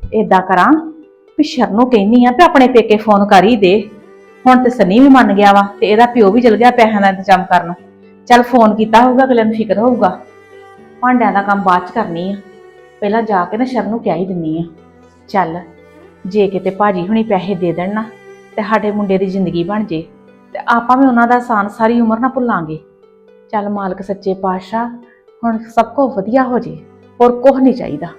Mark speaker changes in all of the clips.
Speaker 1: ਏਦਾਂ ਕਰਾਂ ਵੀ ਸ਼ਰਨ ਨੂੰ ਕਹਿੰਨੀ ਆ ਵੀ ਆਪਣੇ ਪੇਕੇ ਫੋਨ ਕਰ ਹੀ ਦੇ। ਹੁਣ ਤੇ ਸਨੀ ਵੀ ਮੰਨ ਗਿਆ ਵਾ ਤੇ ਇਹਦਾ ਪਿਓ ਵੀ ਚਲ ਗਿਆ ਪੈਸਿਆਂ ਦਾ ਇੰਤਜ਼ਾਮ ਕਰਨ। ਚੱਲ ਫੋਨ ਕੀਤਾ ਹੋਊਗਾ, ਅਗਲੇ ਨੂੰ ਫਿਕਰ ਹੋਊਗਾ। ਭਾਂਡਿਆਂ ਦਾ ਕੰਮ ਬਾਅਦ ਚ ਕਰਨੀ ਆ, ਪਹਿਲਾਂ ਜਾ ਕੇ ਨਾ ਸ਼ਰਨ ਨੂੰ ਕਹਿ ਹੀ ਦਿੰਨੀ ਆ। ਚੱਲ ਜੇ ਕਿਤੇ ਭਾਜੀ ਹੁਣੀ ਪੈਸੇ ਦੇ ਦੇਣ ਨਾ ਤੇ ਸਾਡੇ ਮੁੰਡੇ ਦੀ ਜ਼ਿੰਦਗੀ ਬਣ ਜੇ ਤੇ ਆਪਾਂ ਵੀ ਉਹਨਾਂ ਦਾ ਆਸਾਨ ਸਾਰੀ ਉਮਰ ਨਾ ਭੁੱਲਾਂਗੇ। ਚੱਲ ਮਾਲਕ ਸੱਚੇ ਪਾਤਸ਼ਾਹ ਹੁਣ ਸਭ ਕੁਝ ਵਧੀਆ ਹੋ ਜੇ, ਹੋਰ ਕੁਝ ਨਹੀਂ ਚਾਹੀਦਾ।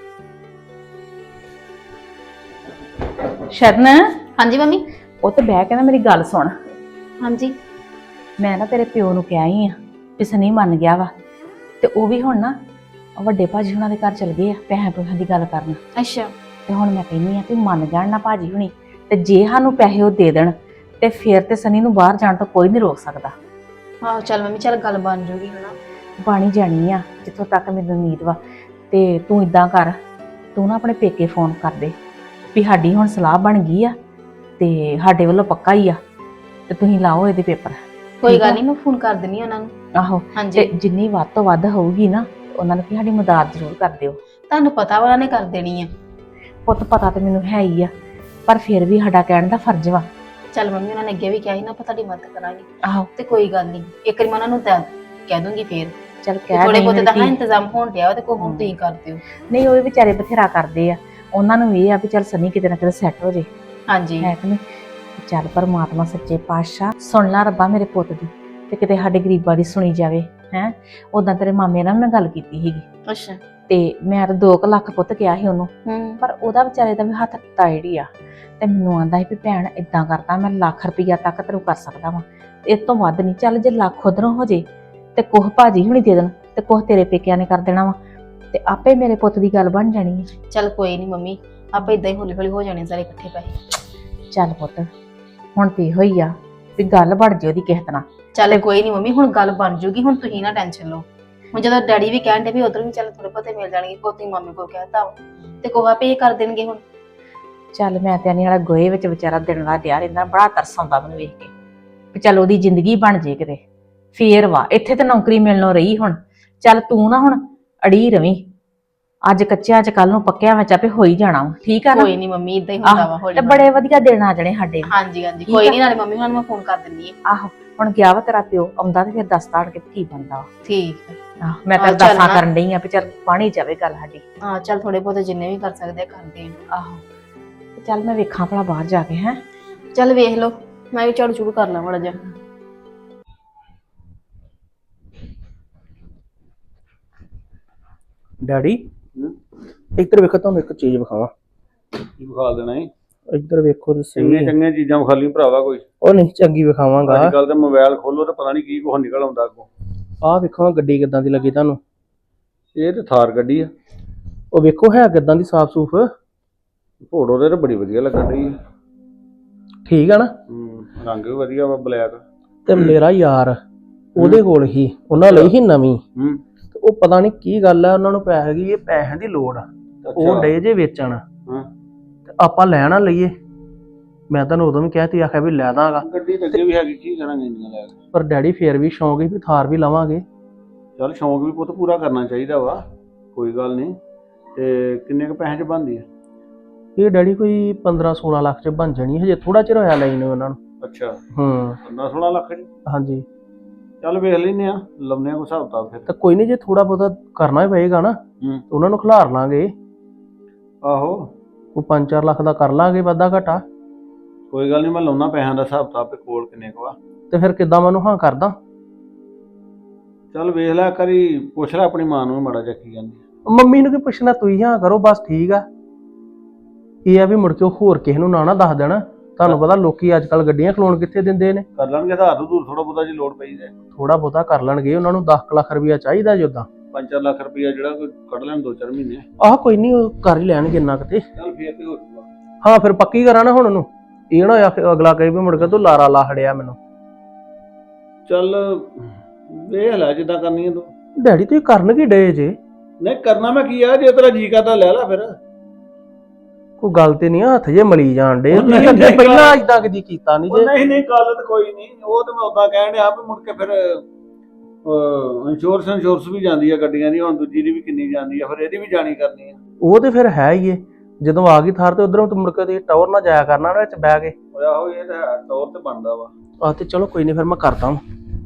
Speaker 1: ਸ਼ਰਨ,
Speaker 2: ਹਾਂਜੀ ਮੰਮੀ।
Speaker 1: ਉਹ ਤੇ ਬਹਿ ਕੇ ਨਾ ਮੇਰੀ ਗੱਲ ਸੁਣ।
Speaker 2: ਹਾਂਜੀ।
Speaker 1: ਮੈਂ ਨਾ ਤੇਰੇ ਪਿਓ ਨੂੰ ਕਿਹਾ ਹੀ ਆ ਵੀ ਸਨੀ ਮੰਨ ਗਿਆ ਵਾ ਤੇ ਉਹ ਵੀ ਹੁਣ ਨਾ ਵੱਡੇ ਭਾਜੀ ਹੁਣਾਂ ਦੇ ਘਰ ਚਲ ਗਏ ਆ ਪੈਸੇ ਪੂਸਿਆਂ ਦੀ ਗੱਲ ਕਰਨ।
Speaker 2: ਅੱਛਾ।
Speaker 1: ਤੇ ਹੁਣ ਮੈਂ ਕਹਿੰਨੀ ਆ ਕਿ ਮੰਨ ਜਾਣ ਨਾ ਭਾਜੀ ਹੁਣੀ ਤੇ ਜੇ ਸਾਨੂੰ ਪੈਸੇ ਉਹ ਦੇ ਦੇਣ ਤੇ ਫਿਰ ਤੇ ਸਨੀ ਨੂੰ ਬਾਹਰ ਜਾਣ ਤੋਂ ਕੋਈ ਨਹੀਂ ਰੋਕ ਸਕਦਾ।
Speaker 2: ਆਹੋ ਚੱਲ ਮੰਮੀ, ਚੱਲ ਗੱਲ ਬਣ ਜੂਗੀ ਹਨਾ।
Speaker 1: ਬਾਣੀ ਜਾਣੀ ਆ ਜਿੱਥੋਂ ਤੱਕ ਮੈਨੂੰ ਉਮੀਦ ਵਾ। ਤੇ ਤੂੰ ਇਦਾਂ ਕਰ, ਤੂੰ ਨਾ ਆਪਣੇ ਪੇਕੇ ਫੋਨ ਕਰ ਦੇ ਵੀ ਸਾਡੀ ਹੁਣ ਸਲਾਹ ਬਣ ਗਈ ਆ ਤੇ ਸਾਡੇ ਵੱਲੋਂ ਪੱਕਾ ਹੀ ਆ ਤੇ ਤੁਸੀਂ ਲਾਓ ਇਹਦੇ ਪੇਪਰ।
Speaker 2: ਕੋਈ ਗੱਲ ਨਹੀਂ, ਮੈਂ ਫੋਨ ਕਰ ਦਿੰਨੀ ਉਹਨਾਂ ਨੂੰ।
Speaker 1: ਆਹੋ,
Speaker 2: ਹਾਂਜੀ।
Speaker 1: ਤੇ ਜਿੰਨੀ ਵੱਧ ਤੋਂ ਵੱਧ ਹੋਊਗੀ ਨਾ ਉਹਨਾਂ ਨੂੰ ਕੀ ਸਾਡੀ ਮਦਦ ਜ਼ਰੂਰ ਕਰ ਦਿਓ।
Speaker 2: ਤੁਹਾਨੂੰ ਪਤਾ ਵਾ ਉਹਨਾਂ ਨੇ ਕਰ ਦੇਣੀ ਆ।
Speaker 1: ਪੁੱਤ ਪਤਾ ਤੇ ਮੈਨੂੰ ਹੈ ਹੀ ਆ, ਪਰ ਫਿਰ ਵੀ ਸਾਡਾ ਕਹਿਣ ਦਾ ਫਰਜ਼ ਵਾ।
Speaker 2: ਚੱਲ ਮੰਮੀ, ਉਹਨਾਂ ਨੇ ਅੱਗੇ ਵੀ ਕਿਹਾ ਸੀ ਨਾ ਆਪਾਂ ਤੁਹਾਡੀ ਮਦਦ ਕਰਾਂਗੇ।
Speaker 1: ਆਹੋ
Speaker 2: ਤੇ ਕੋਈ ਗੱਲ ਨਹੀਂ, ਇੱਕ ਵਾਰੀ ਮੈਂ ਉਹਨਾਂ ਨੂੰ ਕਹਿ ਦੂੰਗੀ ਫੇਰ।
Speaker 1: ਚੱਲ ਕਹਿ
Speaker 2: ਥੋੜੇ ਬਹੁਤੇ ਤਾਂ
Speaker 1: ਨਹੀਂ
Speaker 2: ਇੰਤਜ਼ਾਮ ਹੋਣ ਡਿਆ ਤੇ ਕੋਈ ਹੁਣ ਤੁਸੀਂ ਕਰ ਦਿਓ।
Speaker 1: ਨਹੀਂ, ਉਹ ਵਿਚਾਰੇ ਬਥੇਰਾ ਕਰਦੇ ਆ, ਉਹਨਾਂ ਨੂੰ ਇਹ ਆ ਵੀ ਚੱਲ ਸਨੀ ਕਿਤੇ ਨਾ ਕਿਤੇ ਸੈੱਟ ਹੋ ਜੇ।
Speaker 2: ਹਾਂਜੀ
Speaker 1: ਹੈ ਕਿ ਨਹੀਂ? ਚੱਲ ਪਰਮਾਤਮਾ ਸੱਚੇ ਪਾਤਸ਼ਾਹ ਸੁਣ ਲਾ ਰੱਬਾ ਮੇਰੇ ਪੁੱਤ ਦੀ, ਤੇ ਕਿਤੇ ਸਾਡੇ ਗਰੀਬਾਂ ਦੀ ਸੁਣੀ ਜਾਵੇ। ਹੈ ਉਦਾਂ ਤੇਰੇ ਮਾਮੇ ਨਾਲ ਮੈਂ ਗੱਲ ਕੀਤੀ ਸੀਗੀ
Speaker 2: ਅੱਛਾ।
Speaker 1: ਤੇ ਮੈਂ ਤਾਂ 2 ਲੱਖ ਪੁੱਤ ਕਿਹਾ ਸੀ ਉਹਨੂੰ,
Speaker 2: ਪਰ
Speaker 1: ਪਰ ਉਹਦਾ ਵਿਚਾਰੇ ਦਾ ਵੀ ਹੱਥ ਟਾਈਟ ਹੀ ਆ। ਤੇ ਮੈਨੂੰ ਆਂਦਾ ਸੀ ਵੀ ਭੈਣ ਇਦਾਂ ਕਰਦਾ ਮੈਂ ਲੱਖ ਰੁਪਈਆ ਤੱਕ ਤੈਨੂੰ ਕਰ ਸਕਦਾ ਵਾਂ, ਇਸ ਤੋਂ ਵੱਧ ਨਹੀਂ। ਚੱਲ ਜੇ ਲੱਖ ਉਧਰੋਂ ਹੋ ਜੇ ਤੇ ਕੁਛ ਭਾਜੀ ਹੁਣੀ ਦੇ ਦੇਣ ਤੇ ਕੁਛ ਤੇਰੇ ਪੇਕਿਆਂ ਨੇ ਕਰ ਦੇਣਾ ਵਾ ਤੇ ਆਪੇ ਮੇਰੇ ਪੁੱਤ ਦੀ ਗੱਲ ਬਣ ਜਾਣੀ ਹੈ।
Speaker 2: ਚੱਲ ਕੋਈ ਨਹੀਂ ਮੰਮੀ, ਆਪਾਂ ਇਦਾਂ ਹੀ ਹੌਲੀ ਹੌਲੀ ਹੋ ਜਾਣੇ ਸਾਰੇ ਇਕੱਠੇ ਪੈਸੇ।
Speaker 1: ਚੱਲ ਪੁੱਤ ਹੁਣ ਤੇ ਇਹੋ ਹੀ ਆ ਵੀ ਗੱਲ ਬਣ ਜੇ ਉਹਦੀ ਕਿਸੇ ਤਰ੍ਹਾਂ।
Speaker 2: ਚੱਲ ਕੋਈ ਨਹੀਂ ਮੰਮੀ, ਹੁਣ ਗੱਲ ਬਣ ਜੂਗੀ, ਹੁਣ ਤੁਸੀਂ ਨਾ ਟੈਨਸ਼ਨ ਲਓ। ਹੁਣ ਜਦੋਂ ਡੈਡੀ ਵੀ ਕਹਿਣ ਦੇ ਵੀ ਉਧਰ ਵੀ ਚੱਲ ਥੋੜੇ ਬਹੁਤੇ ਮਿਲ ਜਾਣਗੇ, ਕੋਤੀ ਮਾਮੇ ਕੋਲ ਕਹਿਤਾ ਤੇ ਕੋਹਾ ਪੇ ਕਰ ਦੇਣਗੇ ਹੁਣ।
Speaker 1: ਚੱਲ ਮੈਂ ਤੇ ਆਨੀ ਵਾਲਾ ਗੋਏ ਵਿੱਚ ਵਿਚਾਰਾ ਦਿਨ ਰਾਤ ਡਿਆ ਰਹਿੰਦਾ, ਬੜਾ ਤਰਸ ਆਉਂਦਾ ਮੈਨੂੰ ਵੇਖ ਕੇ ਵੀ ਚੱਲ ਉਹਦੀ ਜ਼ਿੰਦਗੀ ਬਣ ਜੇ ਕਿਤੇ। ਫੇਰ ਵਾ ਇੱਥੇ ਤੇ ਨੌਕਰੀ ਮਿਲਣੋਂ ਰਹੀ ਹੁਣ। ਚੱਲ ਤੂੰ ਨਾ ਹੁਣ ਅੜੀ ਰਵੀਂ, ਅੱਜ ਕੱਚਿਆਂ ਚ ਕੱਲ ਨੂੰ ਪੱਕਿਆਂ ਵਿੱਚ ਆਪੇ ਹੋ ਹੀ ਜਾਣਾ ਵਾ। ਠੀਕ ਆ ਨਾ?
Speaker 2: ਕੋਈ ਨਹੀਂ ਮੰਮੀ, ਇਦਾਂ ਹੀ ਹੁੰਦਾ ਵਾ ਹੌਲੀ
Speaker 1: ਤੇ ਬੜੇ ਵਧੀਆ ਦਿਨ ਆ ਜਾਣੇ ਸਾਡੇ।
Speaker 2: ਹਾਂਜੀ ਹਾਂਜੀ, ਕੋਈ ਨਹੀਂ, ਨਾਲੇ ਮੰਮੀ ਉਹਨਾਂ ਨੂੰ ਮੈਂ ਫੋਨ ਕਰ ਦਿੰਦੀ ਆ।
Speaker 1: ਆਹੋ, ਹੁਣ ਗਿਆ ਵਾ ਤੇਰਾ ਪਿਓ, ਆਉਂਦਾ ਤੇ ਫਿਰ ਦੱਸਦਾ ਆਣ ਕੇ ਕੀ ਬਣਦਾ ਵਾ।
Speaker 2: ਠੀਕ ਆ।
Speaker 1: ਮੈਂ ਤਾਂ ਦੱਸਾਂ ਕਰਨ ਡਈ ਆ ਵੀ ਚੱਲ ਪਾਣੀ ਜਾਵੇ ਗੱਲ ਸਾਡੀ।
Speaker 2: ਹਾਂ ਚੱਲ ਥੋੜੇ ਬਹੁਤੇ ਜਿੰਨੇ ਵੀ ਕਰ ਸਕਦੇ ਆ ਕਰਦੇ ਆ।
Speaker 1: ਆਹੋ, ਚੱਲ ਮੈਂ ਵੇਖਾਂ ਭਲਾ ਬਾਹਰ ਜਾ ਕੇ। ਹੈ
Speaker 2: ਚੱਲ ਵੇਖ ਲਓ, ਮੈਂ ਵੀ ਝਾੜੂ ਝੂੜੂ ਕਰ ਲਾਂ ਮਾੜਾ ਜਿਹਾ।
Speaker 3: ਡੈਡੀ ਇੱਧਰ ਵੇਖੋ, ਤੁਹਾਨੂੰ ਇੱਕ ਚੀਜ਼ ਵਿਖਾਵਾਂ।
Speaker 4: ਕੀ ਵਿਖਾ ਦੇਣਾ ਈ?
Speaker 3: ਇੱਧਰ ਵੇਖੋ ਤੇ
Speaker 4: ਚੰਗੀਆਂ
Speaker 3: ਸਹੀ।
Speaker 4: ਚੰਗੀਆਂ ਚੀਜ਼ਾਂ ਵਿਖਾ ਲਈ ਭਰਾਵਾ ਕੋਈ।
Speaker 3: ਉਹ ਨਹੀਂ ਚੰਗੀ ਵਿਖਾਵਾਂਗਾ।
Speaker 4: ਅੱਜ ਕੱਲ ਤੇ ਮੋਬਾਈਲ ਖੋਲੋ ਤੇ ਪਤਾ ਨਹੀਂ ਕੀ ਕੁਛ ਨਿਕਲ ਆਉਂਦਾ ਅੱਗੋਂ।
Speaker 3: ਆਹ ਵੇਖੋ ਗੱਡੀ ਕਿੱਦਾਂ ਦੀ ਲੱਗੀ ਤੁਹਾਨੂੰ।
Speaker 4: ਇਹ ਤੇ ਥਾਰ ਗੱਡੀ ਆ।
Speaker 3: ਉਹ ਵੇਖੋ ਹੈ ਕਿੱਦਾਂ ਦੀ ਸਾਫ ਸੂਫ।
Speaker 4: ਫੋਟੋ ਤੇ ਬੜੀ ਵਧੀਆ ਲੱਗਣ ਡਈ।
Speaker 3: ਠੀਕ ਆ ਨਾ?
Speaker 4: ਰੰਗ ਵੀ ਵਧੀਆ ਵਾ, ਬਲੈਕ।
Speaker 3: ਤੇ ਮੇਰਾ ਯਾਰ ਉਹਦੇ ਕੋਲ ਹੀ, ਉਹਨਾਂ ਲਈ ਹੀ ਨਵੀਂ। ਤੇ ਉਹ ਪਤਾ ਨਹੀਂ ਕੀ ਗੱਲ ਆ, ਉਹਨਾਂ ਨੂੰ ਪੈਸੇ ਦੀ ਪੈਸਿਆਂ ਦੀ ਲੋੜ ਆ। ਉਹ ਡੇ ਜੇ ਵੇਚਣ ਤੇ ਆਪਾਂ ਲੈਣਾ ਲਈਏ। ਮੈਂ ਤੁਹਾਨੂੰ ਉਦੋਂ ਵੀ ਕਿਹਾ ਤੀ, ਆਖਿਆ ਵੀ ਲੈ ਦਾਂਗਾ।
Speaker 4: ਗੱਡੀ ਤੇ ਅੱਗੇ ਵੀ ਹੈਗੀ, ਕੀ ਕਰਾਂਗੇ ਇੰਨੀਆਂ ਲੈ ਕੇ।
Speaker 3: ਪਰ ਡੈਡੀ ਫੇਰ ਵੀ ਸ਼ੌਂਕ ਹੀ ਵੀ ਥਾਰ ਵੀ ਲਵਾਂਗੇ।
Speaker 4: ਚੱਲ ਸ਼ੌਂਕ ਵੀ ਪੁੱਤ ਪੂਰਾ ਕਰਨਾ ਚਾਹੀਦਾ ਵਾ, ਕੋਈ ਗੱਲ ਨਹੀਂ। ਤੇ ਕਿੰਨੇ ਕੁ ਪੈਸੇ ਚ ਬਣਦੀ ਆ?
Speaker 3: ਇਹ ਡੈਡੀ ਕੋਈ 15-16 ਲੱਖ ਚ ਬਣ ਜਾਣੀ, ਹਜੇ ਥੋੜਾ ਚਿਰ ਹੋਇਆ ਲਈ ਨੂੰ ਉਹਨਾਂ ਨੂੰ।
Speaker 4: ਅੱਛਾ।
Speaker 3: 15-16
Speaker 4: ਲੱਖ ਚ?
Speaker 3: ਹਾਂਜੀ।
Speaker 4: ਚੱਲ ਵੇਖ ਲੈਨੇ ਆ, ਲਾਉਨੇ ਆ ਕੋਈ ਹਿਸਾਬ ਕਿਤਾਬ ਫਿਰ।
Speaker 3: ਤਾਂ ਕੋਈ ਨਹੀਂ, ਜੇ ਥੋੜਾ ਬਹੁਤਾ ਕਰਨਾ ਹੀ ਪਏਗਾ ਨਾ ਉਹਨਾਂ ਨੂੰ ਖਿਲਾਰ ਲਾਂਗੇ।
Speaker 4: ਆਹੋ,
Speaker 3: ਕੋਈ 5-4 ਲੱਖ ਦਾ ਕਰ ਲਾਂਗੇ ਵਾਧਾ ਘਾਟਾ।
Speaker 4: ਕੋਈ ਗੱਲ ਨਹੀਂ, ਮੈਂ ਲਾਉਣਾ ਪੈਸਿਆਂ ਦਾ ਹਿਸਾਬ ਕਿਤਾਬ ਤੇ ਕੋਲ ਕਿੰਨੇ ਕੁ ਵਾ।
Speaker 3: ਤੇ ਫਿਰ ਕਿੱਦਾਂ ਮੈਨੂੰ ਹਾਂ ਕਰਦਾ?
Speaker 4: ਚੱਲ ਵੇਖ ਲੈ ਕਰੀ, ਪੁੱਛ ਲੈ ਆਪਣੀ ਮਾਂ ਨੂੰ ਮਾੜਾ ਜਿਹਾ ਕੀ ਕਹਿੰਦੀ।
Speaker 3: ਮੰਮੀ ਨੂੰ ਕੀ ਪੁੱਛਣਾ, ਤੁਸੀਂ ਹਾਂ ਕਰੋ ਬਸ। ਠੀਕ ਆ, ਇਹ ਆ ਵੀ ਮੁੜ ਕੇ ਹੋਰ ਕਿਸੇ ਨੂੰ ਨਾ ਦੱਸ ਦੇਣਾ। ਤੁਹਾਨੂੰ ਪਤਾ ਲੋਕੀ ਅੱਜ ਕੱਲ ਗੱਡੀਆਂ ਖਲੋਣ ਕਿੱਥੇ ਦਿੰਦੇ ਨੇ।
Speaker 4: ਕਰ ਲੈਣਗੇ ਆਧਾਰ ਦੂਰ ਥੋੜਾ ਬਹੁਤਾ ਜੇ ਲੋੜ ਪਈ ਤੇ।
Speaker 3: ਥੋੜਾ ਬਹੁਤਾ ਕਰ ਲੈਣਗੇ, ਉਹਨਾਂ ਨੂੰ 10 ਲੱਖ ਰੁਪਇਆ ਚਾਹੀਦਾ ਜੀ ਉਦਾਂ।
Speaker 4: 5-4 ਲੱਖ ਰੁਪਇਆ ਜਿਹੜਾ ਕੋਈ ਕੱਢ ਲੈਣ 2-4 ਮਹੀਨੇ।
Speaker 3: ਆਹ ਕੋਈ ਨਹੀਂ, ਉਹ ਕਰ ਹੀ ਲੈਣਗੇ ਇੰਨਾ ਕਿਤੇ।
Speaker 4: ਚੱਲ ਫੇਰ ਤੇ ਹੋ ਜੂਗਾ।
Speaker 3: ਹਾਂ ਫਿਰ ਪੱਕੀ ਕਰਾਂ ਨਾ ਹੁਣ ਉਹਨੂੰ, ਇਹ ਨਾ ਹੋਇਆ ਫਿਰ ਅਗਲਾ ਕਹੇ ਵੀ ਮੁੜ ਕੇ ਤੂੰ ਲਾਰਾ ਲਾ ਖੜਿਆ ਮੈਨੂੰ।
Speaker 4: ਚੱਲ ਵੇਖ ਲੈ ਜਿੱਦਾਂ ਕਰਨੀ ਹੈ ਤੂੰ।
Speaker 3: ਡੈਡੀ ਤੁਸੀਂ ਕਰਨ ਕੀ ਡੇ ਜੇ?
Speaker 4: ਨਹੀਂ ਕਰਨਾ ਮੈਂ ਕੀ ਆ, ਜੇ ਤੇਰਾ ਜੀ ਕਰਦਾ ਲੈ ਲੈ ਫਿਰ।
Speaker 3: ਕੋਈ ਗੱਲ ਤੇ ਨਹੀਂ, ਹੱਥ ਜੇ ਮਲੀ ਜਾਣ ਡੇ।
Speaker 4: ਨਹੀਂ,
Speaker 3: ਪਹਿਲਾਂ ਇਦਾਂ ਕਦੀ ਕੀਤਾ ਨਹੀਂ ਜੇ।
Speaker 4: ਨਹੀਂ ਗੱਲ ਤਾਂ ਕੋਈ ਨਹੀਂ, ਉਹ ਤੇ ਮੈਂ ਉਦਾਂ ਕਹਿਣ ਡਿਆ ਵੀ ਮੁੜ ਕੇ ਫਿਰ ਇੰਸ਼ੋਰੈਂਸ ਵੀ ਜਾਂਦੀ ਆ ਗੱਡੀਆਂ ਦੀ, ਹੁਣ ਦੂਜੀ ਦੀ ਵੀ ਕਿੰਨੀ ਜਾਂਦੀ ਆ, ਫਿਰ ਇਹਦੀ ਵੀ ਜਾਣੀ ਕਰਨੀ ਆ।
Speaker 3: ਉਹ ਤੇ ਫਿਰ ਹੈ ਹੀ ਏ, ਜਦੋਂ ਆ ਗਈ ਥਾਰ ਤੇ ਉਧਰੋਂ ਤੂੰ ਮੁੜ ਕੇ ਤੇ ਟਾਵਰ ਨਾ ਜਾਇਆ ਕਰਨਾ ਉਹਦੇ ਵਿੱਚ ਬਹਿ ਕੇ।
Speaker 4: ਓਏ ਆਹੋ ਇਹ ਤਾਂ ਤੌਰ ਤੇ ਬਣਦਾ ਵਾ।
Speaker 3: ਆ ਤੇ ਚਲੋ ਕੋਈ ਨਹੀਂ, ਫਿਰ ਮੈਂ ਕਰਦਾ ਹਾਂ।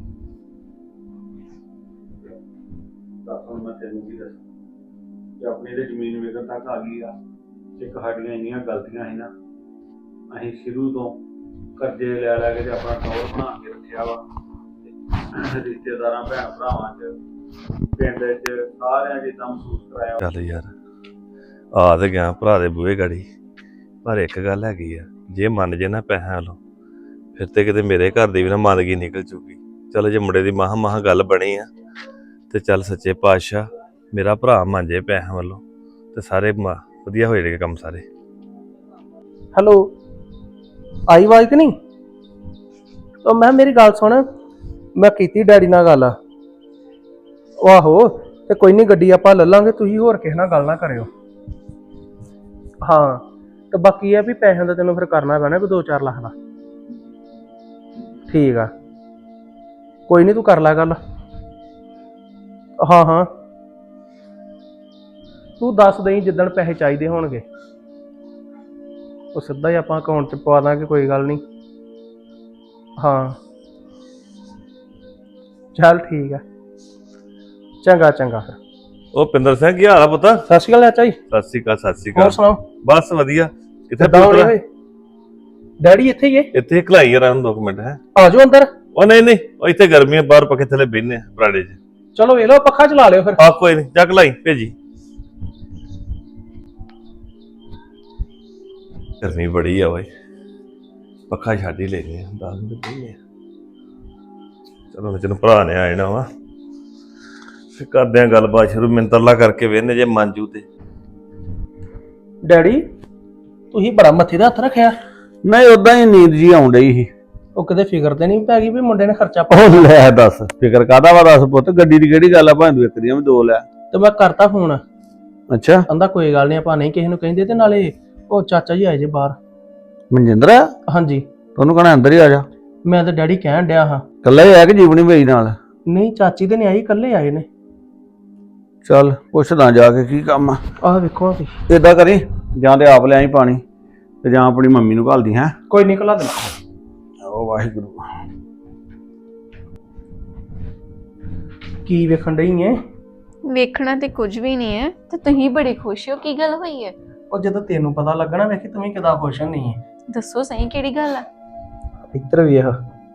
Speaker 4: ਦੱਸ ਹੁਣ ਮੈਂ ਤੈਨੂੰ ਕੀ ਦੱਸਾਂ ਕਿ ਆਪਣੀ ਤੇ ਜ਼ਮੀਨ ਵੇਚਣ ਤੱਕ ਆ ਗਈ ਆ। ਇੱਕ ਸਾਡੀਆਂ ਇੰਨੀਆਂ ਗਲਤੀਆਂ ਸੀ ਨਾ, ਅਸੀਂ ਸ਼ੁਰੂ ਤੋਂ ਕਰਜ਼ੇ ਲੈ ਲੈ ਕੇ ਤੇ ਆਪਣਾ ਟੌਰ ਬਣਾ ਕੇ ਰੱਖਿਆ ਵਾ। ਤੇ ਰਿਸ਼ਤੇਦਾਰਾਂ ਭੈਣ ਭਰਾਵਾਂ ਚ ਪਿੰਡ ਚ ਸਾਰਿਆਂ ਚ ਏਦਾਂ ਮਹਿਸੂਸ ਕਰਾਇਆ।
Speaker 5: ਚੱਲ ਯਾਰ ਆ ਤੇ ਗਿਆ ਭਰਾ ਦੇ ਬੂਹੇ ਗਾੜੀ, ਪਰ ਇੱਕ ਗੱਲ ਹੈਗੀ ਆ, ਜੇ ਮੰਨ ਜੇ ਨਾ ਪੈਸਿਆਂ ਵੱਲੋਂ ਫਿਰ ਤੇ ਕਿਤੇ ਮੇਰੇ ਘਰ ਦੀ ਵੀ ਨਾ ਮੰਦਗੀ ਨਿਕਲ ਚੁੱਕੀ। ਚਲੋ ਜੇ ਮੁੰਡੇ ਦੀ ਮਹਾਂ ਗੱਲ ਬਣੀ ਆ ਤੇ ਚੱਲ ਸੱਚੇ ਪਾਤਸ਼ਾਹ ਮੇਰਾ ਭਰਾ ਮੰਨ ਜੇ ਪੈਸਿਆਂ ਵੱਲੋਂ ਤੇ ਸਾਰੇ ਵਧੀਆ ਹੋ ਜਾਣਗੇ ਕੰਮ ਸਾਰੇ।
Speaker 3: ਹੈਲੋ, ਆਈ ਆਵਾਜ਼ ਕਿ ਨਹੀਂ? ਉਹ ਮੈਂ ਮੇਰੀ ਗੱਲ ਸੁਣ, ਮੈਂ ਕੀਤੀ ਡੈਡੀ ਨਾਲ ਗੱਲ। ਉਹ ਆਹੋ ਤੇ ਕੋਈ ਨਹੀਂ, ਗੱਡੀ ਆਪਾਂ ਲੈ ਲਾਂਗੇ, ਤੁਸੀਂ ਹੋਰ ਕਿਸੇ ਨਾਲ ਗੱਲ ਨਾ ਕਰਿਓ। ਹਾਂ ਤੇ ਬਾਕੀ ਇਹ ਵੀ ਪੈਸਿਆਂ ਦਾ ਤੈਨੂੰ ਫਿਰ ਕਰਨਾ ਪੈਣਾ ਕੋਈ 2-4 ਲੱਖ ਦਾ। ਠੀਕ ਆ, ਕੋਈ ਨਹੀਂ, ਤੂੰ ਕਰ ਲੈ ਗੱਲ। ਹਾਂ ਤੂੰ ਦੱਸ ਦੇਈਂ ਜਿੱਦਣ ਪੈਸੇ ਚਾਹੀਦੇ ਹੋਣਗੇ, ਉਹ ਸਿੱਧਾ ਹੀ ਆਪਾਂ ਅਕਾਊਂਟ 'ਚ ਪਵਾ ਦਾਂਗੇ, ਕੋਈ ਗੱਲ ਨਹੀਂ। ਹਾਂ ਚੱਲ ਠੀਕ ਆ, ਚੰਗਾ ਫਿਰ।
Speaker 5: ਉਹ ਪਿੰਦਰ ਸਿੰਘ ਕੀ ਹਾਲ ਆ ਪੁੱਤ?
Speaker 3: ਸਤਿ ਸ਼੍ਰੀ ਅਕਾਲ ਚਾਚਾ ਜੀ।
Speaker 5: ਸਤਿ ਸ਼੍ਰੀ ਅਕਾਲ। ਸਤਿ ਸ਼੍ਰੀ
Speaker 3: ਹੋਰ
Speaker 5: ਅਕਾਲ।
Speaker 3: ਸੁਣਾਓ?
Speaker 5: ਬਸ ਵਧੀਆ। ਕਿੱਥੇ
Speaker 3: ਕਿੱਦਾਂ ਹੋਣੇ
Speaker 5: ਪੁੱਤਰ?
Speaker 3: ਹੋਏ? ਡੈਡੀ ਇੱਥੇ ਹੀ ਹੈ?
Speaker 5: ਇੱਥੇ ਖਲਾਈ ਯਾਰ 2 ਮਿੰਟ ਹੈ।
Speaker 3: ਆ ਜਾਓ ਅੰਦਰ।
Speaker 5: ਉਹ ਨਹੀਂ ਉਹ ਇੱਥੇ ਗਰਮੀ ਆ, ਬਾਹਰ ਪੱਖੇ ਥੱਲੇ ਬਹਿਨੇ ਬਰਾੜੇ 'ਚ।
Speaker 3: ਚਲੋ ਵੇਖ ਲਓ, ਪੱਖਾ ਚਲਾ ਲਿਓ ਫਿਰ।
Speaker 5: ਆ ਕੋਈ ਨਹੀਂ, ਜਾ ਖਲਾਈ ਭੇਜੀ। ਗਰਮੀ ਬੜੀ ਆ ਓਏ, ਪੱਖਾ ਛੱਡ ਹੀ ਲੈਨੇ ਆ, 10 ਮਿੰਟ ਬਹਿਨੇ ਆ। ਚਲੋ ਮੈਂ ਤੈਨੂੰ ਭਰਾ ਨੇ ਆ ਜਾਣਾ ਵਾ, ਫਿਰ ਕਰਦੇ ਆ ਗੱਲਬਾਤ ਸ਼ੁਰੂ। ਮਿੰਤਰਲਾ ਕਰਕੇ ਵੇਖਨੇ ਜੇ ਮੰਜੂ ਤੇ।
Speaker 3: ਡੈਡੀ ਤੁਸੀਂ ਬੜਾ ਮੱਥੇ ਦਾ ਹੱਥ ਰੱਖਿਆ।
Speaker 4: ਨਹੀਂ ਉਦਾਂ ਹੀ ਨੀਂਦ ਜੀ ਆਉਣ ਡਈ ਸੀ।
Speaker 3: ਉਹ ਕਿਤੇ ਫਿਕਰ ਤੇ ਨਹੀਂ ਪੈ ਗਈ ਵੀ ਮੁੰਡੇ ਨੇ ਖਰਚਾ
Speaker 4: ਉਹ ਲੈ ਦੱਸ, ਫਿਕਰ ਕਾਹਦਾ ਵਾ? ਦੱਸ ਪੁੱਤ, ਗੱਡੀ ਦੀ ਕਿਹੜੀ ਗੱਲ ਆ? ਭਾਵੇਂ ਤੂੰ ਇੱਕ ਦੀਆਂ ਵੀ 2 ਲੈ।
Speaker 3: ਤੇ ਮੈਂ ਕਰਤਾ ਫੋਨ,
Speaker 4: ਅੱਛਾ,
Speaker 3: ਕਹਿੰਦਾ ਕੋਈ ਗੱਲ ਨਹੀਂ, ਆਪਾਂ ਨਹੀਂ ਕਿਸੇ ਨੂੰ ਕਹਿੰਦੇ। ਤੇ ਨਾਲੇ ਉਹ ਚਾਚਾ ਜੀ ਆਏ ਜੇ ਬਾਹਰ।
Speaker 4: ਮਨਜਿੰਦਰ
Speaker 3: ਹਾਂਜੀ,
Speaker 4: ਤੁਹਾਨੂੰ ਕਹਣਾ ਅੰਦਰ ਹੀ ਆ ਜਾ।
Speaker 3: ਮੈਂ ਤਾਂ ਡੈਡੀ ਕਹਿਣ ਡਿਆ ਹਾਂ।
Speaker 4: ਕੱਲਾ ਹੀ ਆ ਕਿ ਜੀਵਨੀ ਭਾਈ ਨਾਲ?
Speaker 3: ਨਹੀਂ, ਚਾਚੀ ਤੇ ਨਹੀਂ ਆਈ, ਇਕੱਲੇ ਆਏ ਨੇ।
Speaker 4: ਚੱਲ ਪੁੱਛਦਾ ਜਾ ਕੇ ਕੀ ਕੰਮ ਆ।
Speaker 3: ਆਹ ਵੇਖੋ ਤੁਸੀਂ।
Speaker 4: ਏਦਾਂ ਕਰੀ, ਜਾਂ ਤੇ ਆਪ ਲੈ ਆਈ ਪਾਣੀ ਤੇ ਜਾਂ ਆਪਣੀ ਮੰਮੀ ਨੂੰ ਘੱਲਦੀ। ਹੈ
Speaker 3: ਕੋਈ ਨਹੀਂ, ਘੱਲਾ ਦੇਣਾ।
Speaker 4: ਉਹ ਵਾਹਿਗੁਰੂ।
Speaker 3: ਕੀ ਵੇਖਣ ਡਈ ਐ?
Speaker 6: ਵੇਖਣਾ ਤੇ ਕੁਝ ਵੀ ਨਹੀਂ ਹੈ ਤੇ ਤੁਸੀਂ ਬੜੇ ਖੁਸ਼ ਹੋ, ਕੀ ਗੱਲ ਹੋਈ ਹੈ?
Speaker 3: ਉਹ ਜਦੋਂ ਤੈਨੂੰ ਪਤਾ ਲੱਗਣਾ, ਵੇਖੀ ਤੂੰ ਵੀ ਕਿਦਾਂ ਖੁਸ਼ ਨਹੀਂ ਹੈ।
Speaker 6: ਦੱਸੋ ਸਹੀ ਕਿਹੜੀ ਗੱਲ ਆ?
Speaker 3: ਇੱਧਰ ਵੇਖ,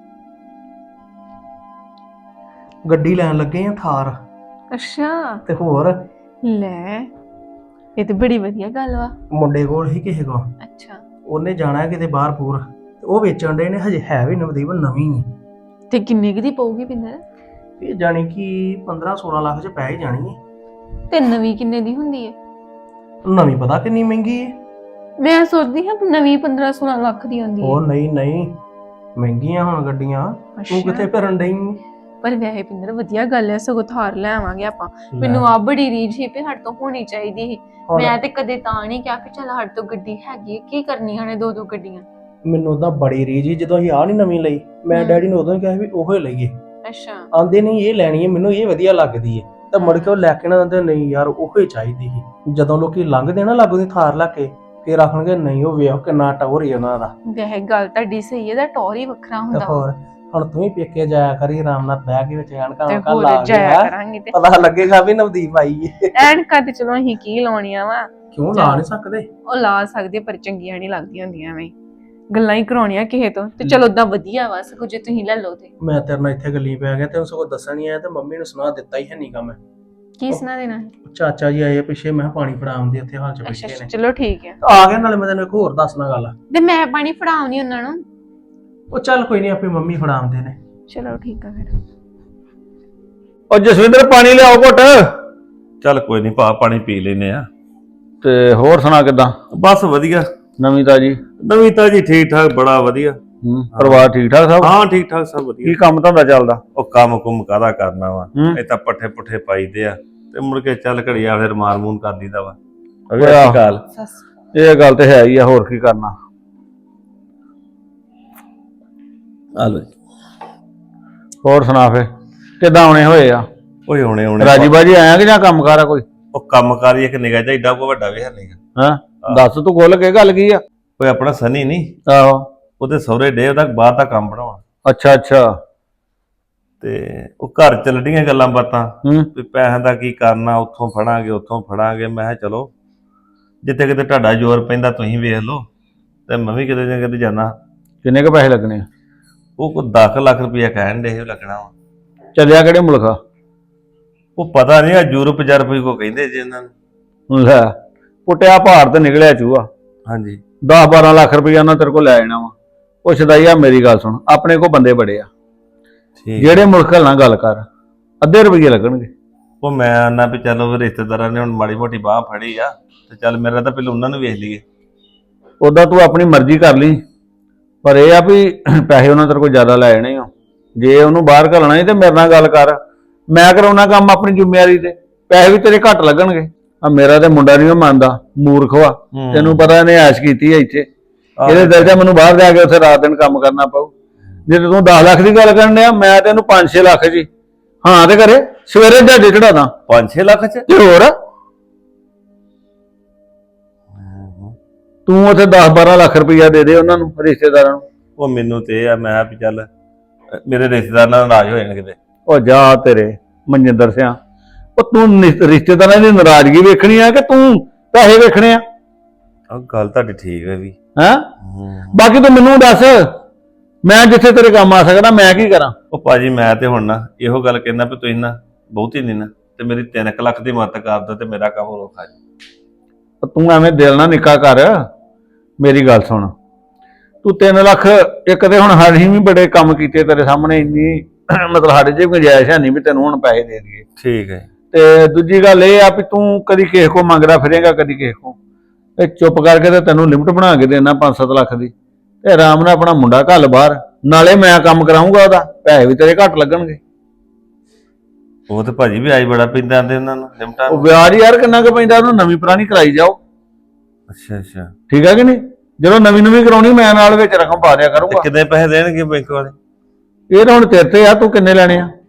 Speaker 3: ਗੱਡੀ ਲੈਣ ਲੱਗੇ ਆ, ਥਾਰ।
Speaker 6: ਅੱਛਾ,
Speaker 3: ਤੇ ਹੋਰ
Speaker 6: ਲੈ ਇਹ ਤੇ ਬੜੀ ਵਧੀਆ ਗੱਲ ਵਾ।
Speaker 3: ਮੁੰਡੇ ਕੋਲ ਹੀ ਕਿਸੇ ਕੋਲ,
Speaker 6: ਅੱਛਾ,
Speaker 3: ਉਹਨੇ ਜਾਣਾ ਕਿਤੇ ਬਾਹਰ ਪੂਰ, ਤੇ ਉਹ ਵੇਚਣ ਦੇ ਨੇ। ਹਜੇ ਹੈ ਵੀ ਨਵਦੀਪ ਨਵੀਂ ਹੀ।
Speaker 6: ਤੇ ਕਿੰਨੇ ਕੁ ਦੀ ਪਊਗੀ ਪਿੰਦਰ?
Speaker 3: ਇਹ ਜਾਣੀ ਕਿ 15-16 ਲੱਖ ਚ ਪੈ ਹੀ ਜਾਣੀ ਹੈ।
Speaker 6: ਤੇ ਨਵੀਂ ਕਿੰਨੇ ਦੀ ਹੁੰਦੀ ਹੈ?
Speaker 3: ਨਵੀਂ ਪਤਾ ਕਿੰਨੀ ਮਹਿੰਗੀ ਹੈ।
Speaker 6: ਮੈਂ ਸੋਚਦੀ ਹਾਂ ਨਵੀਂ 15-16 ਲੱਖ ਦੀ ਹੁੰਦੀ ਹੈ।
Speaker 3: ਉਹ ਨਹੀਂ, ਮਹਿੰਗੀਆਂ ਹੁਣ ਗੱਡੀਆਂ। ਤੂੰ ਕਿੱਥੇ ਫਿਰਨ ਡਈ?
Speaker 6: ਪਰ ਵੈਸੇ ਪਿੰਦਰ ਵਧੀਆ ਗੱਲ ਹੈ, ਸਗੋਂ ਥਾਰ ਲੈ ਆਵਾਂਗੇ ਆਪਾਂ। ਮੈਨੂੰ ਆ ਬੜੀ ਰੀਝ ਸੀ ਵੀ ਸਾਡੇ ਤੋਂ ਹੋਣੀ ਚਾਹੀਦੀ ਸੀ। ਮੈਂ ਤੇ ਕਦੇ ਤਾਂ ਨਹੀਂ ਕਿਹਾ ਕਿ ਚੱਲ ਸਾਡੇ ਤੋਂ ਗੱਡੀ ਹੈਗੀ, ਕੀ ਕਰਨੀਆਂ ਨੇ 2-2 ਗੱਡੀਆਂ।
Speaker 3: ਮੈਨੂੰ ਉਹਦਾ ਬੜੀ ਰੀਝ ਸੀ ਜਦੋਂ ਅਸੀਂ ਆਹ ਨਹੀਂ ਨਵੀਂ ਲਈ। ਮੈਂ ਡੈਡੀ ਨੂੰ ਉਦੋਂ ਹੀ ਕਿਹਾ ਵੀ ਉਹੋ ਹੀ ਲਈਏ।
Speaker 6: ਅੱਛਾ,
Speaker 3: ਆਂਦੇ ਨਹੀਂ ਇਹ ਲੈਣੀ ਹੈ, ਮੈਨੂੰ ਇਹ ਵਧੀਆ ਲੱਗਦੀ ਹੈ। ਤਾਂ ਮੁੜ ਕੇ ਉਹ ਲੈ ਕੇ ਨਾ ਦਿੰਦੇ, ਨਹੀਂ ਯਾਰ ਉਹੋ ਹੀ ਚਾਹੀਦੀ ਸੀ। ਜਦੋਂ ਲੋਕੀ ਲੰਘਦੇ ਨਾ ਲਾਗੋਂ ਦੀ ਥਾਰ ਲੈ ਕੇ, ਫਿਰ ਆਖਣਗੇ ਨਹੀਂ ਉਹ ਵੇਖ ਕਿੰਨਾ ਟੌਰ ਹੀ ਉਹਨਾਂ ਦਾ।
Speaker 6: ਵੈਸੇ ਗੱਲ ਤੁਹਾਡੀ ਸਹੀ ਹੈ, ਦਾ ਟੌਰ ਹੀ ਵੱਖਰਾ ਹੁੰਦਾ।
Speaker 3: ਹੋਰ ਹੁਣ ਤੂੰ ਵੀ ਪੇਕੇ ਜਾਇਆ ਕਰੀ ਆਰਾਮ ਨਾਲ ਬਹਿ ਕੇ ਵਿੱਚ ਐਨਕਾਂ
Speaker 6: ਤੇ
Speaker 3: ਲਾ
Speaker 6: ਹੋਰ ਜਾਇਆ ਕਰਾਂਗੇ ਤੇ
Speaker 3: ਪਤਾ ਲੱਗੇਗਾ ਵੀ ਨਵਦੀਪ ਆਈ ਹੈ।
Speaker 6: ਐਨਕਾਂ ਤੇ ਚਲੋ ਅਸੀਂ ਕੀ ਲਾਉਣੀਆਂ ਵਾ,
Speaker 3: ਕਿਉਂ ਲਾ ਨਹੀਂ ਸਕਦੇ?
Speaker 6: ਉਹ ਲਾ ਸਕਦੇ ਪਰ ਚੰਗੀਆਂ ਨਹੀਂ ਲੱਗਦੀਆਂ ਹੁੰਦੀਆਂ ਐਵੇਂ ਗੱਲਾਂ ਹੀ ਕਰਾਉਣੀਆਂ ਕਿਸੇ ਤੋਂ। ਤੇ ਚਲੋ ਉਦਾਂ ਵਧੀਆ ਵਾ, ਸਗੋਂ ਜੇ ਤੁਸੀਂ ਲੈ ਲਓ ਤੇ।
Speaker 3: ਮੈਂ ਤੇਰੇ ਨਾਲ ਇੱਥੇ ਗੱਲੀ ਪੈ ਗਿਆ, ਤੈਨੂੰ ਸਗੋਂ ਦੱਸਣ ਨਹੀਂ ਆਇਆ ਤੇ ਮੰਮੀ ਨੂੰ ਸੁਣਾ ਦਿੱਤਾ ਹੀ ਹੈ ਨੀਗਾ ਮੈਂ।
Speaker 6: ਕੀ ਸੁਣਾ ਦੇਣਾ?
Speaker 3: ਚਾਚਾ ਜੀ ਆਏ ਆ ਪਿੱਛੇ, ਮੈਂ ਪਾਣੀ ਫੜਾਉਂਦੇ ਉੱਥੇ ਹਾਲ ਚ
Speaker 6: ਅੱਛਾ
Speaker 3: ਬੈਠੇ ਨੇ।
Speaker 6: ਚਲੋ ਠੀਕ ਹੈ।
Speaker 3: ਆ ਗਿਆ, ਨਾਲੇ ਮੈਂ ਤੈਨੂੰ ਇੱਕ ਹੋਰ ਦੱਸਣਾ ਗੱਲ।
Speaker 6: ਤੇ ਮੈਂ ਪਾਣੀ ਫੜਾਉਣੀ ਉਹਨਾਂ ਨੂੰ।
Speaker 3: ਉਹ ਚੱਲ ਕੋਈ ਨਹੀਂ, ਆਪੇ ਮੰਮੀ ਫੜਾਉਂਦੇ ਨੇ।
Speaker 6: ਚਲੋ ਠੀਕ ਆ ਫਿਰ।
Speaker 4: ਉਹ ਜਸਵਿੰਦਰ ਪਾਣੀ ਲਿਆਓ ਘੁੱਟ।
Speaker 5: ਚੱਲ ਕੋਈ ਨਹੀਂ ਭਾ, ਪਾਣੀ ਪੀ ਲੈਨੇ ਆ।
Speaker 4: ਤੇ ਹੋਰ ਸੁਣਾ ਕਿੱਦਾਂ?
Speaker 5: ਬਸ ਵਧੀਆ।
Speaker 4: ਨਵੀਂ ਤਾਜੀ?
Speaker 5: ਨਵੀਂ ਤਾਜੀ ਠੀਕ ਠਾਕ, ਬੜਾ ਵਧੀਆ।
Speaker 4: ਪਰਿਵਾਰ ਠੀਕ ਠਾਕ ਸਭ?
Speaker 5: ਹਾਂ ਠੀਕ ਠਾਕ ਸਭ ਵਧੀਆ।
Speaker 4: ਕੀ ਕੰਮ ਧੰਦਾ ਚੱਲਦਾ?
Speaker 5: ਉਹ ਕੰਮ ਕੁਮ ਕਾਹਦਾ ਕਰਨਾ ਵਾ,
Speaker 4: ਹੂੰ।
Speaker 5: ਇਹ ਤਾਂ ਪੱਠੇ ਪੁੱਠੇ ਪਾਈਦੇ ਆ ਤੇ ਮੁੜ ਕੇ ਚੱਲ ਘੜੀਆ ਫਿਰ ਮਾਰ ਮੂਨ ਕਰ ਦੀਦਾ ਵਾ।
Speaker 4: ਆਹ,
Speaker 5: ਗੱਲ
Speaker 4: ਇਹ ਗੱਲ ਤੇ ਹੈ ਹੀ ਆ, ਹੋਰ ਕੀ ਕਰਨਾ।
Speaker 5: ਆ ਲੋ
Speaker 4: ਹੋਰ ਸੁਣਾ ਫੇ ਕਿੱਦਾਂ ਆਉਣੇ ਹੋਏ ਆ?
Speaker 5: ਓਏ ਹੁਣੇ
Speaker 4: ਰਾਜੀ ਬਾਜੀ ਆਇਆ ਕਿ ਜਾਂ ਕੰਮ ਕਾਰ ਆ ਕੋਈ?
Speaker 5: ਉਹ ਕੰਮ ਕਾਰ ਹੀ ਇੱਕ ਨਿਗਾਹ ਜਿਹਾ ਏਡਾ ਕੋ ਵੱਡਾ ਵੀ ਹੈ ਨਹੀਂਗਾ।
Speaker 4: ਹਾਂ ਦੱਸ ਤੂੰ ਖੁੱਲ ਕੇ ਗੱਲ ਕੀ ਆ?
Speaker 5: ਓਏ ਆਪਣਾ ਸਨੀ ਨਹੀਂ,
Speaker 4: ਆਹੋ।
Speaker 5: ਉਹਦੇ ਸਹੁਰੇ ਡੇ ਉਹਦਾ ਬਾਹਰ ਦਾ ਕੰਮ ਬਣਾਉਣਾ,
Speaker 4: ਅੱਛਾ ਅੱਛਾ।
Speaker 5: ਤੇ ਉਹ ਘਰ ਚ ਲੱਡੀਆਂ ਗੱਲਾਂ ਬਾਤਾਂ
Speaker 4: ਹੂੰ।
Speaker 5: ਵੀ ਪੈਸਿਆਂ ਦਾ ਕੀ ਕਰਨਾ, ਉੱਥੋਂ ਫੜਾਂਗੇ ਉੱਥੋਂ ਫੜਾਂਗੇ। ਮੈਂ ਕਿਹਾ ਚਲੋ ਜਿੱਥੇ ਕਿਤੇ ਤੁਹਾਡਾ ਜ਼ੋਰ ਪੈਂਦਾ ਤੁਸੀਂ ਵੇਖ ਲਓ, ਤੇ ਮੈਂ ਵੀ ਕਿਤੇ ਨਾ ਕਿਤੇ ਜਾਣਾ।
Speaker 4: ਕਿੰਨੇ ਕੁ ਪੈਸੇ ਲੱਗਣੇ ਆ?
Speaker 5: ਉਹ ਕੋਈ 10 ਲੱਖ ਰੁਪਇਆ ਕਹਿਣ ਦੇ ਲੱਗਣਾ ਵਾ।
Speaker 4: ਚੱਲਿਆ ਕਿਹੜੇ ਮੁਲਕ ਆ?
Speaker 5: ਉਹ ਪਤਾ ਨਹੀਂ ਆ ਯੂਰਪ ਜਰਪ ਕੋ ਕਹਿੰਦੇ ਜੀ ਇਹਨਾਂ ਨੂੰ।
Speaker 4: ਲੈ ਪੁੱਟਿਆ ਪਹਾੜ ਤੇ ਨਿਕਲਿਆ ਚੂਹਾ।
Speaker 5: ਹਾਂਜੀ
Speaker 4: 10-12 ਲੱਖ ਰੁਪਇਆ ਉਹਨਾਂ ਤੇਰੇ ਕੋਲ ਲੈ ਜਾਣਾ ਵਾ। ਉਹ ਸ਼ਦਾਈਆ ਮੇਰੀ ਗੱਲ ਸੁਣ, ਆਪਣੇ ਕੋਲ ਬੰਦੇ ਬੜੇ ਆ,
Speaker 5: ਠੀਕ।
Speaker 4: ਜਿਹੜੇ ਮੁਲਕ ਨਾਲ ਗੱਲ ਕਰ, ਅੱਧੇ ਰੁਪਏ ਲੱਗਣਗੇ।
Speaker 5: ਉਹ ਮੈਂ ਆਨਾ ਵੀ ਚਲੋ ਵੀ ਰਿਸ਼ਤੇਦਾਰਾਂ ਨੇ ਹੁਣ ਮਾੜੀ ਮੋਟੀ ਬਾਹ ਫੜੀ ਆ, ਤੇ ਚੱਲ ਮੇਰਾ ਤਾਂ ਪਹਿਲਾਂ ਉਹਨਾਂ ਨੂੰ ਵੇਖ ਲਈਏ।
Speaker 4: ਉਦਾਂ ਤੂੰ ਆਪਣੀ ਮਰਜ਼ੀ ਕਰ ਲਈ, ਪਰ ਇਹ ਆ ਵੀ ਪੈਸੇ ਉਹਨਾਂ ਤੇਰੇ ਕੋਲ ਜ਼ਿਆਦਾ ਲੈ ਜਾਣੇ ਆ। ਜੇ ਉਹਨੂੰ ਬਾਹਰ ਘੱਲਣਾ ਹੀ ਤੇ ਮੇਰੇ ਨਾਲ ਗੱਲ ਕਰ, ਮੈਂ ਕਰਾਉਣਾ ਕੰਮ ਆਪਣੀ ਜ਼ਿੰਮੇਵਾਰੀ ਤੇ, ਪੈਸੇ ਵੀ ਤੇਰੇ ਘੱਟ ਲੱਗਣਗੇ। ਆ ਮੇਰਾ ਤੇ ਮੁੰਡਾ ਨਹੀਂ ਮੰਨਦਾ, ਮੂਰਖ ਵਾ। ਤੈਨੂੰ ਪਤਾ ਇਹਨੇ ਐਸ਼ ਕੀਤੀ ਹੈ ਇੱਥੇ, ਇਹਦੇ ਦਿਲ ਤੇ ਮੈਨੂੰ ਬਾਹਰ ਜਾ ਕੇ ਉੱਥੇ ਰਾਤ ਦਿਨ ਕੰਮ ਕਰਨਾ ਪਊ। ਜੇ ਤੂੰ 10 ਲੱਖ ਦੀ ਗੱਲ ਕਰਨ ਡਿਆ, ਮੈਂ ਤੈਨੂੰ 5-6 ਲੱਖ ਜੀ ਹਾਂ ਤੇ ਕਰੇ ਸਵੇਰੇ ਜਹਾਜ਼ੇ ਚੜਾਦਾ
Speaker 5: 5-6 ਲੱਖ ਚ।
Speaker 4: ਤੇ ਹੋਰ ਤੂੰ ਉੱਥੇ 10-12 ਲੱਖ ਰੁਪਇਆ ਦੇ ਦੇ ਉਹਨਾਂ ਨੂੰ, ਰਿਸ਼ਤੇਦਾਰਾਂ ਨੂੰ।
Speaker 5: ਉਹ ਮੈਨੂੰ ਤੇ ਇਹ ਆ, ਮੈਂ ਵੀ ਚੱਲ ਮੇਰੇ ਰਿਸ਼ਤੇਦਾਰ ਨਾਲ ਨਾਰਾਜ਼ ਹੋ ਜਾਣ ਕਿਤੇ।
Speaker 4: ਉਹ ਜਾ ਤੇਰੇ ਮਨਜਿੰਦਰ ਸਿਆ, ਉਹ ਤੂੰ ਰਿਸ਼ਤੇਦਾਰਾਂ ਦੀ ਨਾਰਾਜ਼ਗੀ ਵੇਖਣੀ ਆ ਕਿ ਤੂੰ ਪੈਸੇ ਵੇਖਣੇ ਆ?
Speaker 5: ਆਹ ਗੱਲ ਤੁਹਾਡੀ ਠੀਕ ਹੈ ਵੀ।
Speaker 4: ਹੈਂ ਬਾਕੀ ਤੂੰ ਮੈਨੂੰ ਦੱਸ, ਮੈਂ ਜਿੱਥੇ ਤੇਰੇ ਕੰਮ ਆ ਸਕਦਾ ਮੈਂ ਕੀ ਕਰਾਂ?
Speaker 5: ਉਹ ਭਾਜੀ ਮੈਂ ਤੇ ਹੁਣ ਨਾ ਇਹੋ ਗੱਲ ਕਹਿੰਦਾ ਵੀ ਤੁਸੀਂ ਨਾ ਬਹੁਤੀ ਨਹੀਂ ਨਾ, ਤੇ ਮੇਰੀ 3 ਲੱਖ ਦੀ ਮਦਦ ਕਰ ਦਿਓ ਤੇ ਮੇਰਾ ਕੰਮ ਰੋਕਾ ਜੀ।
Speaker 4: ਤੂੰ ਐਵੇਂ ਦਿਲ ਨਾ ਨਿੱਕਾ ਕਰ, ਮੇਰੀ ਗੱਲ ਸੁਣ। ਤੂੰ 3 ਲੱਖ, ਇੱਕ ਤੇ ਹੁਣ ਅਸੀਂ ਵੀ ਬੜੇ ਕੰਮ ਕੀਤੇ ਤੇਰੇ ਸਾਹਮਣੇ, ਇੰਨੀ ਮਤਲਬ ਸਾਡੇ 'ਚ ਗੁੰਜਾਇਸ਼ ਹੈ ਨਹੀਂ ਵੀ ਤੈਨੂੰ ਹੁਣ ਪੈਸੇ ਦੇ ਦਈਏ।
Speaker 5: ਠੀਕ ਹੈ।
Speaker 4: ਤੇ ਦੂਜੀ ਗੱਲ ਇਹ ਆ ਵੀ ਤੂੰ ਕਦੀ ਕਿਸੇ ਕੋ ਮੰਗਦਾ ਫਿਰੇਗਾ, ਕਦੀ ਕਿਸੇ ਕੋ। ਇਹ ਚੁੱਪ ਕਰਕੇ ਤੇ ਤੈਨੂੰ ਲਿਮਟ ਬਣਾ ਕੇ ਦੇਣਾ 5-7 ਲੱਖ ਦੀ, ਤੇ ਆਰਾਮ ਨਾਲ ਆਪਣਾ ਮੁੰਡਾ ਘੱਲ ਬਾਹਰ, ਨਾਲੇ ਮੈਂ ਕੰਮ ਕਰਾਉਂਗਾ ਉਹਦਾ, ਪੈਸੇ ਵੀ ਤੇਰੇ ਘੱਟ ਲੱਗਣਗੇ।
Speaker 5: ਉਹ ਤੇ ਭਾਜੀ ਵਿਆਜ ਬੜਾ ਪੈਂਦਾ ਆਂਦੇ ਉਹਨਾਂ ਨੂੰ ਲਿਮਟਾਂ।
Speaker 4: ਉਹ ਵਿਆਜ ਯਾਰ ਕਿੰਨਾ ਕੁ ਪੈਂਦਾ, ਉਹਨੂੰ ਨਵੀਂ ਪੁਰਾਣੀ ਕਰਾਈ ਜਾਓ।
Speaker 5: ਅੱਛਾ ਅੱਛਾ
Speaker 4: ਠੀਕ ਹੈ ਕਿ ਨਹੀਂ? ਜਦੋਂ ਨਵੀਂ ਕਰਾਉਣੀ ਮੈਂ ਨਾਲ ਵਿੱਚ ਰਕਮ ਪਾ ਦਿਆ ਕਰੂੰਗਾ।
Speaker 5: ਕਿੰਨੇ ਪੈਸੇ ਦੇਣਗੇ ਬੈਂਕ ਵਾਲੇ?
Speaker 4: ਇਹ ਤਾਂ ਹੁਣ ਤੇਰੇ ਤੇ ਆ, ਤੂੰ ਕਿੰਨੇ ਲੈਣੇ ਆ?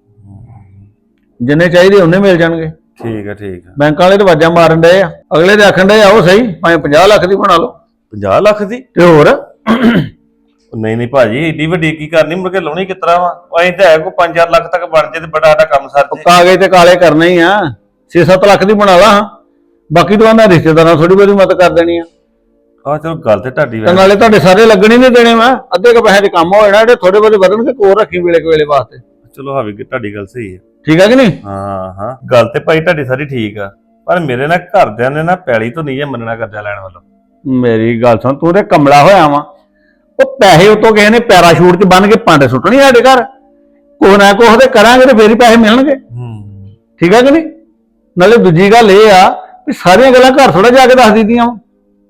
Speaker 4: ਜਿੰਨੇ ਚਾਹੀਦੇ ਉਹਨੇ ਮਿਲ ਜਾਣਗੇ।
Speaker 5: ਠੀਕ ਹੈ ਠੀਕ ਹੈ।
Speaker 4: ਬੈਂਕ ਵਾਲੇ ਤਾਂ ਵਾਜਾਂ ਮਾਰਨ ਡਏ ਆ, ਅਗਲੇ ਦੇ ਆਖਣ ਡਏ ਆਓ ਸਹੀ, ਭਾਵੇਂ 50 ਲੱਖ ਦੀ ਬਣਾ ਲਓ।
Speaker 5: 50 ਲੱਖ ਦੀ?
Speaker 4: ਤੇ ਹੋਰ
Speaker 5: ਨਹੀਂ ਨਹੀਂ ਭਾਜੀ, ਏਡੀ ਵੱਡੀ ਕੀ ਕਰਨੀ, ਮੁੜ ਕੇ ਲਾਉਣੀ ਕਿਸ ਤਰ੍ਹਾਂ ਵਾ? ਉਹ ਐਂ ਤਾਂ ਹੈ ਕੋਈ 5-4 ਲੱਖ ਤੱਕ ਬਣ ਜੇ ਤੇ ਬੜਾ ਸਾਡਾ ਕੰਮ ਸਰ ਜੇ।
Speaker 4: ਕਾਗਜ਼ ਤੇ ਕਾਲੇ ਕਰਨੇ ਹੀ ਆ, 6-7 ਲੱਖ ਦੀ ਬਣਾ ਲਾ। ਬਾਕੀ ਤਾਂ ਉਹਨਾਂ ਰਿਸ਼ਤੇਦਾਰਾਂ ਥੋੜੀ ਬਹੁਤੀ ਮਦਦ ਕਰ ਦੇਣੀ ਆ।
Speaker 5: ਆਹ ਚਲੋ ਗੱਲ ਤੇ ਤੁਹਾਡੀ
Speaker 4: ਤੇ ਨਾਲੇ ਤੁਹਾਡੇ ਸਾਰੇ ਲੱਗਣੇ ਨਹੀਂ ਦੇਣੇ, ਮੈਂ ਅੱਧੇ ਕੁ ਪੈਸੇ ਦੇ ਕੰਮ ਹੋ ਜਾਣਾ, ਜਿਹੜੇ ਥੋੜੇ ਬਹੁਤੇ ਵਧਣਗੇ ਕੋਲ ਰੱਖੀ ਵੇਲੇ ਵੇਲੇ ਵਾਸਤੇ।
Speaker 5: ਚਲੋ ਹਾਵੀ ਤੁਹਾਡੀ ਗੱਲ ਸਹੀ ਹੈ।
Speaker 4: ਠੀਕ ਹੈ ਕਿ ਨਹੀਂ?
Speaker 5: ਹਾਂ ਹਾਂ ਗੱਲ ਤੇ ਭਾਈ ਤੁਹਾਡੀ ਸਾਰੀ ਠੀਕ ਆ, ਪਰ ਮੇਰੇ ਨਾਲ ਘਰਦਿਆਂ ਨੇ ਨਾ ਪੈਲੀ ਤੋਂ ਨਹੀਂ ਜੇ ਮੰਨਣਾ ਕਰਜ਼ਾ ਲੈਣ ਵੱਲੋਂ।
Speaker 4: ਮੇਰੀ ਗੱਲ ਸੁਣ, ਤੂੰ ਤੇ ਕਮਲਾ ਹੋਇਆ ਵਾ। ਉਹ ਪੈਸੇ ਉਤੋਂ ਕਿਸੇ ਨੇ ਪੈਰਾਸ਼ੂਟ 'ਚ ਬੰਨ ਕੇ ਪੰਡ ਸੁੱਟਣੀ ਸਾਡੇ ਘਰ, ਕੁਛ ਨਾ ਕੁਛ ਤੇ ਕਰਾਂਗੇ ਤੇ ਫੇਰ ਹੀ ਪੈਸੇ ਮਿਲਣਗੇ। ਠੀਕ ਹੈ ਕਿ ਨਹੀਂ? ਨਾਲੇ ਦੂਜੀ ਗੱਲ ਇਹ ਆ ਵੀ ਸਾਰੀਆਂ ਗੱਲਾਂ ਘਰ ਥੋੜਾ ਜਾ ਕੇ ਦੱਸ ਦਿੱਤੀਆਂ ਵਾ।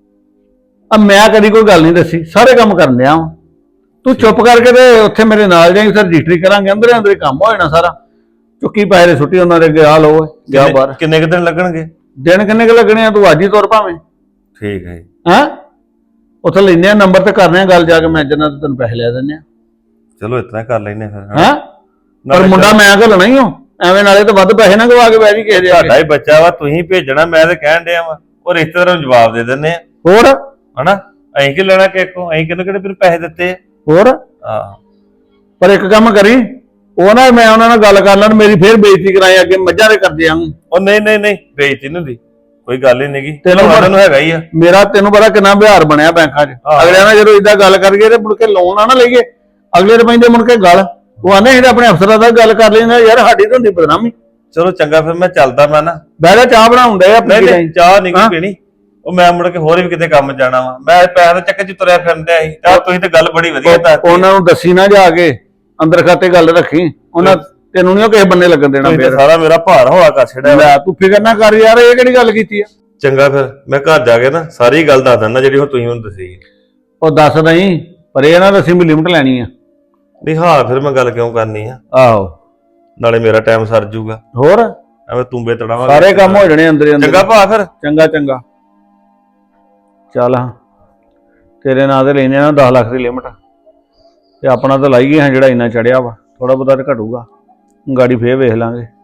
Speaker 4: ਆ ਮੈਂ ਕਦੀ ਕੋਈ ਗੱਲ ਨਹੀਂ ਦੱਸੀ, ਸਾਰੇ ਕੰਮ ਕਰਨ ਡਿਆ ਵਾ। ਤੂੰ ਚੁੱਪ ਕਰਕੇ ਤੇ ਉੱਥੇ ਮੇਰੇ ਨਾਲ ਜਾਈਂ, ਫਿਰ ਰਜਿਸਟਰੀ ਕਰਾਂਗੇ, ਅੰਦਰ ਅੰਦਰ ਹੀ ਕੰਮ ਹੋ ਜਾਣਾ ਸਾਰਾ। ਚੁੱਕੀ ਪੈਸੇ ਸੁੱਟੀ ਉਹਨਾਂ ਦੇ ਅੱਗੇ, ਆ ਲਓ ਗਿਆ ਬਾਹਰ।
Speaker 5: ਕਿੰਨੇ ਕੁ ਦਿਨ ਲੱਗਣਗੇ?
Speaker 4: ਦਿਨ ਕਿੰਨੇ ਕੁ ਲੱਗਣੇ ਆ, ਤੂੰ ਅੱਜ ਹੀ ਤੁਰ ਭਾਵੇਂ।
Speaker 5: ਠੀਕ ਹੈ।
Speaker 4: ਹੈਂ ਉੱਥੇ ਲੈਨੇ ਆ ਨੰਬਰ ਤੇ ਕਰਨੇ ਆ ਗੱਲ ਜਾ ਕੇ, ਮੈਨੇਜਰ ਤੇ ਤੈਨੂੰ ਪੈਸੇ ਲੈ ਦਿੰਦੇ ਆ।
Speaker 5: ਚਲੋ ਇਤਨਾ ਕਰ ਲੈਨੇ ਫਿਰ।
Speaker 4: ਹੈਂ ਪਰ ਮੁੰਡਾ ਮੈਂ ਘੱਲਣਾ ਹੀ ਹਾਂ, ਐਵੇਂ ਨਾਲੇ ਤਾਂ ਵੱਧ ਪੈਸੇ ਨਾ ਗਵਾ ਕੇ ਬਹਿ ਜੀ ਕਿਸੇ ਦੇ।
Speaker 5: ਤੁਹਾਡਾ ਹੀ ਬੱਚਾ ਵਾ, ਤੁਸੀਂ ਭੇਜਣਾ, ਮੈਂ ਤੇ ਕਹਿਣ ਡਿਆ ਵਾ। ਉਹ ਰਿਸ਼ਤੇਦਾਰਾਂ ਨੂੰ ਜਵਾਬ ਦੇ ਦਿੰਦੇ ਆ
Speaker 4: ਹੋਰ,
Speaker 5: ਹਨਾ? ਅਸੀਂ ਕਿ ਲੈਣਾ ਕਿਸੇ ਕੋਲ? ਅਸੀਂ ਕਿਹਨੂੰ ਫਿਰ ਪੈਸੇ ਦਿੱਤੇ
Speaker 4: ਹੋਰ।
Speaker 5: ਆਹ
Speaker 4: ਪਰ ਇੱਕ ਕੰਮ ਕਰੀ, ਉਹ ਨਾ ਮੈਂ ਉਹਨਾਂ ਨਾਲ ਗੱਲ ਕਰ ਲੈਣ, ਮੇਰੀ ਫੇਰ ਬੇਇੱਜ਼ਤੀ ਕਰਾਈ ਅੱਗੇ ਮੱਝਾਂ ਦੇ ਕਰਦੇ ਆਂ।
Speaker 5: ਉਹ ਨਹੀਂ ਨਹੀਂ ਨਹੀਂ, ਬੇਇੱਜ਼ਤੀ ਨਹੀਂ ਹੁੰਦੀ, ਕੋਈ ਗੱਲ ਹੀ ਨਹੀਂਗੀ।
Speaker 4: ਤੈਨੂੰ
Speaker 5: ਹੈਗਾ ਹੀ ਆ
Speaker 4: ਮੇਰਾ, ਤੈਨੂੰ ਪਤਾ ਕਿੰਨਾ ਵਿਹਾਰ ਬਣਿਆ ਬੈਂਕਾਂ 'ਚ। ਅਗਲਿਆਂ ਨਾਲ ਜਦੋਂ ਇਦਾਂ ਗੱਲ ਕਰੀਏ ਤੇ ਮੁੜ ਕੇ ਲੋਨ ਆ ਨਾ ਲਈਏ, ਅਗਲੇ ਦੇ ਪੈਂਦੇ ਮੁੜ ਕੇ ਗੱਲ। ਉਹ ਆਨੇ ਅਸੀਂ ਆਪਣੇ ਅਫਸਰਾਂ ਦਾ ਗੱਲ ਕਰ ਲੈਂਦੇ ਯਾਰ, ਸਾਡੀ ਤਾਂ ਹੁੰਦੀ ਬਦਨਾਮੀ।
Speaker 5: ਚਲੋ ਚੰਗਾ, ਫਿਰ ਮੈਂ ਚੱਲਦਾ। ਮੈਂ ਨਾ
Speaker 4: ਬਹਿ ਜਾ, ਚਾਹ ਬਣਾਉਂਦੇ ਆ।
Speaker 5: ਨਹੀਂ ਚਾਹ ਨਹੀਂ ਪੀਣੀ, ਉਹ ਮੈਂ ਮੁੜ ਕੇ ਹੋਰ ਵੀ ਕਿਤੇ ਕੰਮ ਜਾਣਾ ਵਾ। ਮੈਂ ਪੈਸੇ ਦੇ ਚੱਕਰ 'ਚ ਤੁਰਿਆ ਫਿਰਦਾ ਸੀ। ਤਾਂ ਤੁਸੀਂ ਤੇ ਗੱਲ ਬੜੀ ਵਧੀਆ ਦੱਸੀ।
Speaker 4: ਉਹਨਾਂ ਨੂੰ ਦੱਸੀ ਨਾ ਜਾ ਕੇ, ਅੰਦਰ ਖਾਤੇ ਗੱਲ ਰੱਖੀ, ਉਹਨਾਂ ਤੈਨੂੰ ਨਹੀਂ ਕਿਸੇ ਬੰਨੇ ਲੱਗਣ ਦੇਣਾ।
Speaker 5: ਫਿਰ ਸਾਰਾ ਮੇਰਾ ਭਾਰ ਹੋਆ ਕਰ ਛੜਿਆ।
Speaker 4: ਤੂੰ ਫਿਕਰ ਨਾ ਕਰ ਯਾਰ, ਇਹ ਕਿਹੜੀ ਗੱਲ ਕੀਤੀ ਆ?
Speaker 5: ਚੰਗਾ, ਫਿਰ ਮੈਂ ਘਰ ਜਾ ਕੇ ਨਾ ਸਾਰੀ ਗੱਲ ਦੱਸ ਦਿੰਦਾ ਜਿਹੜੀ ਹੁਣ ਤੁਸੀਂ ਮੈਨੂੰ ਦੱਸੀ।
Speaker 4: ਉਹ ਦੱਸ ਨਹੀਂ, ਪਰ ਇਹ ਨਾ ਦੱਸੀ ਵੀ ਲਿਮਟ ਲੈਣੀ ਆ।
Speaker 5: ਨਹੀਂ ਹਾਂ, ਫਿਰ ਮੈਂ ਗੱਲ ਕਿਉਂ ਕਰਨੀ ਆ?
Speaker 4: ਆਹੋ,
Speaker 5: ਨਾਲੇ ਮੇਰਾ ਟਾਈਮ ਸਰ ਜੂਗਾ।
Speaker 4: ਹੋਰ
Speaker 5: ਐਵੇਂ ਤੂੰਬੇ ਤੜਾਵਾਂਗੇ,
Speaker 4: ਸਾਰੇ ਕੰਮ ਹੋ ਜਾਣੇ ਅੰਦਰ ਅੰਦਰ।
Speaker 5: ਚੰਗਾ ਭਾ, ਫਿਰ
Speaker 4: ਚੰਗਾ ਚੰਗਾ ਚੱਲ। ਹਾਂ ਤੇਰੇ ਨਾਂ ਤੇ ਲੈਣੇ ਆ 10 ਲੱਖ ਦੀ ਲਿਮਟ, ਤੇ ਆਪਣਾ ਤਾਂ ਲਾਈਏ ਹਾਂ ਜਿਹੜਾ ਇੰਨਾ ਚੜਿਆ ਵਾ। ਥੋੜਾ ਬਹੁਤਾ ਤੇ ਘਟੂਗਾ, ਗਾੜੀ ਫੇਰ ਵੇਖ ਲਾਂਗੇ।